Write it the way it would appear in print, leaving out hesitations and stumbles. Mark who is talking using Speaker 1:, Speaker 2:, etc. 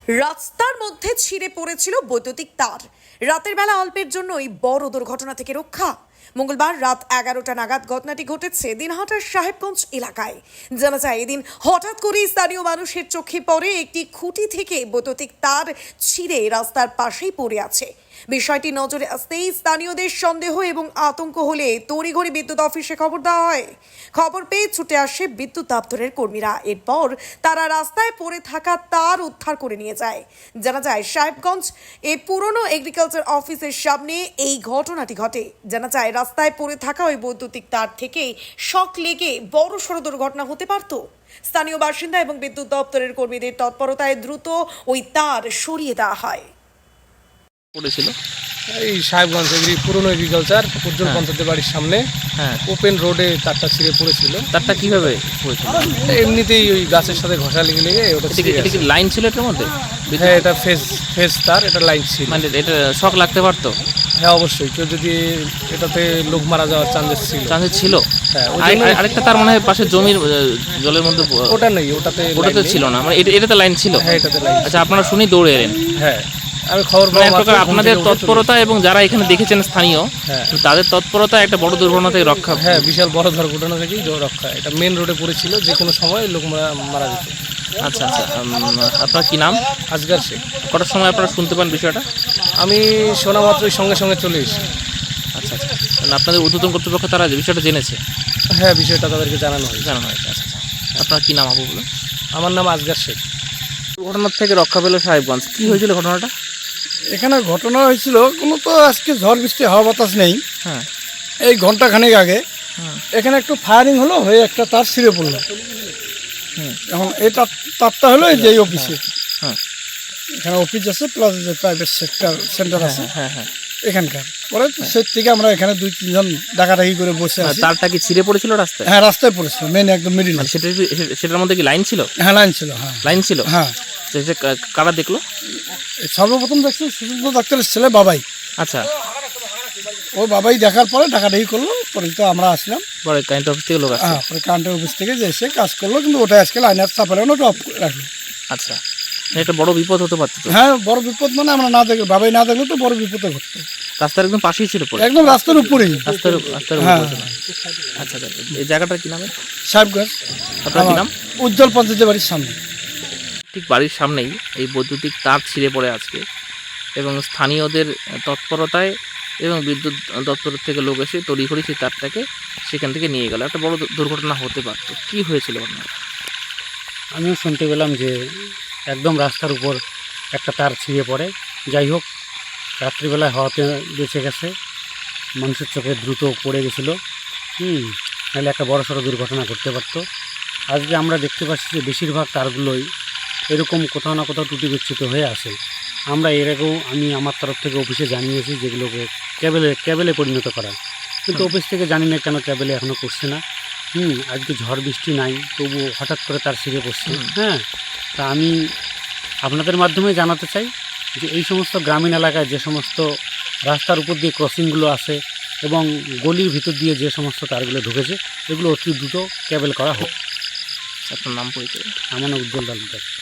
Speaker 1: রাস্তার মধ্যে ছিঁড়ে পড়েছিল বৈদ্যুতিক তার। রাতের বেলা অল্পের জন্যই বড় দুর্ঘটনা থেকে রক্ষা। মঙ্গলবার রাত 11টা নাগাদ ঘটনাটি ঘটেছে দিনহাটার সাহেবগঞ্জ এলাকায়। জানা যায়, এদিন হঠাৎ করেই স্থানীয় মানুষের চোখে পড়ে একটি খুঁটি থেকে বৈদ্যুতিক তার ছিঁড়ে রাস্তার পাশেই পড়ে আছে। বিষয়টি নজরে আসতেই স্থানীয়দের সন্দেহ এবং আতঙ্ক হলে তড়িঘড়ি বিদ্যুৎ অফিসে খবর দেওয়া হয়। খবর পেয়ে ছুটে আসে বিদ্যুৎ দপ্তরের কর্মীরা। এরপর তারা রাস্তায় পড়ে থাকা তার উদ্ধার করে নিয়ে যায়। জানা যায়, সাহেবগঞ্জ এই পুরনো এগ্রিকালচার অফিসের সামনে এই ঘটনাটি ঘটে। জানা যায়, রাস্তায় পড়ে থাকা ওই বৈদ্যুতিক তার থেকেই শক লেগে বড় সড় দুর্ঘটনা হতে পারত। স্থানীয় বাসিন্দা এবং বিদ্যুৎ দপ্তরের কর্মীদের তৎপরতায় দ্রুত ওই তার সরিয়ে দেওয়া হয়।
Speaker 2: পড়েছিল
Speaker 3: এই সাহেবগঞ্জ পুরনো এগ্রিকালচার উজ্জ্বল পঞ্চায়েতের বাড়ির সামনে ওপেন রোডে তারটা ছিঁড়ে পড়েছিল।
Speaker 2: তারটা কিভাবে পড়েছিল?
Speaker 3: এমনিতেই ওই গাছের সাথে ঘষা লেগে লেগে ওটা
Speaker 2: এটা কি লাইন ছিল এটার মধ্যে?
Speaker 3: হ্যাঁ, এটা ফেজ তার, এটা লাইন ছিল।
Speaker 2: মানে এটা শক লাগতে পারতো?
Speaker 3: হ্যাঁ, অবশ্যই। কেউ যদি এটাতে লোক মারা যাওয়ার চান্সেস ছিল। হ্যাঁ,
Speaker 2: আরেকটা তার মনে হয় পাশে জমির জলের মধ্যে
Speaker 3: ওটা নেই, ওটাতে
Speaker 2: ছিল না, মানে এটাতে লাইন ছিল।
Speaker 3: হ্যাঁ, এটাতে লাইন।
Speaker 2: আচ্ছা, আপনারা শুনি দৌড়ে এলেন?
Speaker 3: হ্যাঁ, আমি খবর
Speaker 2: মানে এক প্রকার আপনাদের তৎপরতা এবং যারা এখানে দেখেছেন স্থানীয়, তাদের তৎপরতা একটা বড় দুর্ঘটনা থেকে রক্ষা।
Speaker 3: হ্যাঁ, বিশাল বড় দুর্ঘটনা থেকেই রক্ষা। এটা মেন রোডে পড়েছিল, যে কোনো সময় লোক মারা যেত।
Speaker 2: আচ্ছা আচ্ছা, আপনার কি নাম?
Speaker 3: আজগার শেখ।
Speaker 2: কটার সময় আপনারা শুনতে পান বিষয়টা?
Speaker 3: আমি শোনা মাত্রই সঙ্গে সঙ্গে চলে এসেছি।
Speaker 2: আচ্ছা আচ্ছা, মানে আপনাদের ঊর্ধ্বতন কর্তৃপক্ষ তারা বিষয়টা জেনেছে?
Speaker 3: হ্যাঁ, বিষয়টা তাদেরকে জানানো হয়েছে।
Speaker 2: আচ্ছা আচ্ছা, আপনার কি নাম আবু বলুন?
Speaker 3: আমার নাম আজগার শেখ।
Speaker 2: দুর্ঘটনার থেকে রক্ষা পেল সাহেবগঞ্জ। কি হয়েছিল ঘটনাটা?
Speaker 4: এখানে ঘটনা হয়েছিল, কোনো তো আজকে ঝড় বৃষ্টি হাওয়া বাতাস নেই।
Speaker 2: হ্যাঁ,
Speaker 4: এই ঘন্টাখানেক আগে এখানে একটু ফায়ারিং হলো, হয়ে একটা তার ছিঁড়ে পড়লো। এখন এই তারটা হলো এই যে এই অফিসে।
Speaker 2: হ্যাঁ,
Speaker 4: এখানে অফিস আছে, প্লাস যে প্রাইভেট সেন্টার আছে
Speaker 2: হ্যাঁ।
Speaker 4: এখানকার। পরে সেই থেকে আমরা এখানে 2-3 জন ডাকাডাকি করে বসে আছি।
Speaker 2: তারটা কি ছিঁড়ে পড়েছিল রাস্তায়?
Speaker 4: হ্যাঁ, রাস্তায় পড়েছিল, মেন একদম মিডিল।
Speaker 2: সেটার মধ্যে কি লাইন ছিল?
Speaker 4: হ্যাঁ, লাইন ছিল। হ্যাঁ,
Speaker 2: লাইন ছিল।
Speaker 4: হ্যাঁ।
Speaker 2: কারা দেখলো?
Speaker 4: সর্বপ্রথম দেখছি সুশীল ডাক্তারের ছেলে বাবাই।
Speaker 2: আচ্ছা,
Speaker 4: ও বাবাই দেখার পরে ডাকাডাকি করলো, পরে তো আমরা আসলাম।
Speaker 2: পরে কারেন্ট অফিস থেকে লোক আসছে?
Speaker 4: হ্যাঁ, পরে কারেন্টের অফিস থেকে যে এসে কাজ করলো, কিন্তু ওটা আজকে লাইনের চাপালে ওটা অফ রাখলো।
Speaker 2: আচ্ছা, একটা বড় বিপদ হতে পারতো তো?
Speaker 4: হ্যাঁ, বড় বিপদ, মানে আমরা না দেখলে, বাবাই না দেখলে তো বড় বিপদে ঘটতো।
Speaker 2: রাস্তার একদম পাশেই ছিল পড়ে?
Speaker 4: একদম রাস্তার উপরেই।
Speaker 2: রাস্তার
Speaker 4: হ্যাঁ।
Speaker 2: আচ্ছা, এই জায়গাটার কি নাম?
Speaker 4: সাহেবগঞ্জ।
Speaker 2: আপনার কি নাম?
Speaker 4: উজ্জ্বল পঞ্চায়েতের বাড়ির সামনে।
Speaker 2: ঠিক বাড়ির সামনেই এই বৈদ্যুতিক তার ছিঁড়ে পড়ে আজকে, এবং স্থানীয়দের তৎপরতায় এবং বিদ্যুৎ দপ্তরের থেকে লোক এসে তড়িঘড়ি সেই তারটাকে সেখান থেকে নিয়ে গেল। একটা বড় দুর্ঘটনা হতে পারত। কি হয়েছিল আপনার?
Speaker 5: আমিও শুনতে পেলাম যে একদম রাস্তার উপর একটা তার ছিঁড়ে পড়ে। যাই হোক, রাত্রিবেলায় হওয়াতে বেঁচে গেছে, মানুষের চোখে দ্রুত পড়ে গেছিলো। নাহলে একটা বড় সড়ো দুর্ঘটনা ঘটতে পারতো। আজকে আমরা দেখতে পাচ্ছি যে বেশিরভাগ তারগুলোই এরকম কোথাও না কোথাও ত্রুটি বিচ্যুত হয়ে আসে। আমরা এর আগেও আমি আমার তরফ থেকে অফিসে জানিয়েছি যেগুলোকে ক্যাবেলে পরিণত করা, কিন্তু অফিস থেকে জানি না কেন ক্যাবেলে এখনও করছে না। আজকে ঝড় বৃষ্টি নাই, তবুও হঠাৎ করে তার ছিঁড়ে পড়ছে। তা আমি আপনাদের মাধ্যমে জানাতে চাই যে এই সমস্ত গ্রামীণ এলাকায় যে সমস্ত রাস্তার উপর দিয়ে ক্রসিংগুলো আছে এবং গলির ভিতর দিয়ে যে সমস্ত তারগুলো ঢুকেছে, এগুলো অতি দ্রুত ক্যাবেল করা হোক।
Speaker 2: আপনার নাম পরিচয়?
Speaker 5: আমার নাম উজ্জ্বল তালুকদার।